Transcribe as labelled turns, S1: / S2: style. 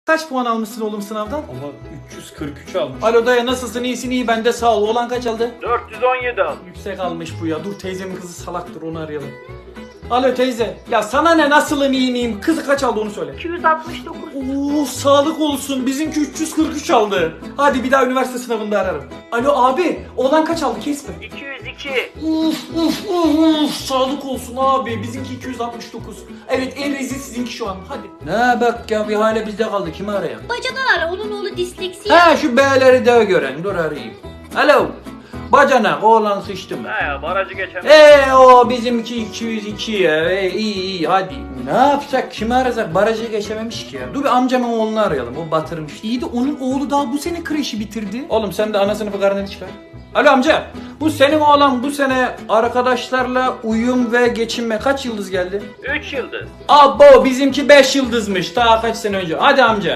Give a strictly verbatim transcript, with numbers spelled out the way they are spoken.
S1: Kaç puan almışsın oğlum sınavdan?
S2: Ama üç yüz kırk üç almış.
S1: Alo dayı, nasılsın? İyisin? İyi, ben de sağ ol. Oğlan kaç aldı?
S2: dört yüz on yedi almış.
S1: Yüksek almış bu ya. Dur, teyzemin kızı salaktır, onu arayalım. Alo teyze. Ya sana ne, nasılım, iyi miyim? Kızı kaç aldı onu söyle.
S3: iki yüz altmış dokuz.
S1: Oo, sağlık olsun. Bizimki üç yüz kırk üç aldı. Hadi bir daha üniversite sınavında ararım. Alo abi, oğlan kaç aldı? Kesme.
S3: iki yüz iki.
S1: Uf uf uf uf. Sağlık olsun abi. Bizimki iki yüz altmış dokuz. Evet, en rezil sizinki şu an. Hadi. Ne bak ya, bir hale bizde kaldı. Kimi arayalım?
S3: Bacadan ara, onun oğlu disleksi.
S1: Ha, şu B'leri de gören. Dur arayayım. Alo. Bacanak, oğlan sıçtı mı?
S2: He ya barajı geçemez.
S1: Eee o bizimki iki yüz iki ya. Ee, iyi iyi hadi. Ne yapsak, kimi arasak? Barajı geçememiş ki ya. Dur bir amcamın oğlunu arayalım, o batırmış. İyi de onun oğlu daha bu sene kreşi bitirdi. Oğlum sen de ana sınıfı karneni çıkar. Alo amca, bu senin oğlan bu sene arkadaşlarla uyum ve geçinme kaç yıldız geldi?
S2: üç yıldız.
S1: Abo, bizimki beş yıldızmış daha kaç sene önce. Hadi amca.